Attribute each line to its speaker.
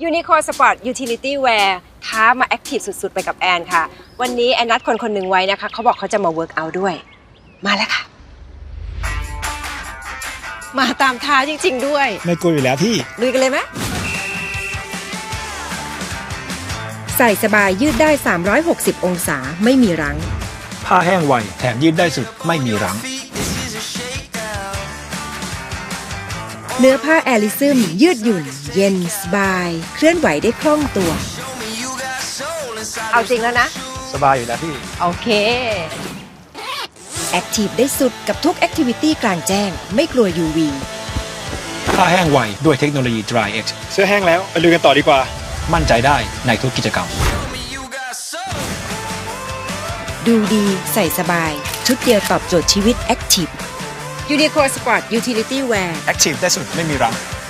Speaker 1: Uniqlo Sport Utility Wear ท้ามาแอคทีฟสุดๆไปกับแอนค่ะวันนี้แอนนัดคนหนึ่งไว้นะคะเขาบอกเขาจะมาเวิร์กเอาท์ด้วยมาแล้วค่ะมาตามท้าจริงๆด้วย
Speaker 2: ไม่กลัวอยู่แล้วพี่
Speaker 1: ลุยกันเลยไหมใส่สบายยืดได้360องศาไม่มีรั้ง
Speaker 2: ผ้าแห้งไวแถมยืดได้สุดไม่มีรั้ง
Speaker 1: เนื้อผ้าแอลิซึมยืดหยุ่นเย็นสบายเคลื่อนไหวได้คล่องตัวเอาจริงแล้วนะ
Speaker 2: สบายอยู่แล้วพี่
Speaker 1: โอเคแอคทีฟได้สุดกับทุกแอคทิวิตี้กลางแจ้งไม่กลัว UV
Speaker 2: ผ้าแห้งไวด้วยเทคโนโลยี Dry X เสื้อแห้งแล้วไปลุยกันต่อดีกว่ามั่นใจได้ในทุกกิจกรรม
Speaker 1: ดูดีใส่สบายชุดเดียวตอบโจทย์ชีวิตแอคทีฟ Uniqlo Sport Utility Wear
Speaker 2: แอคทีฟได้สุดไม่มีรั้ง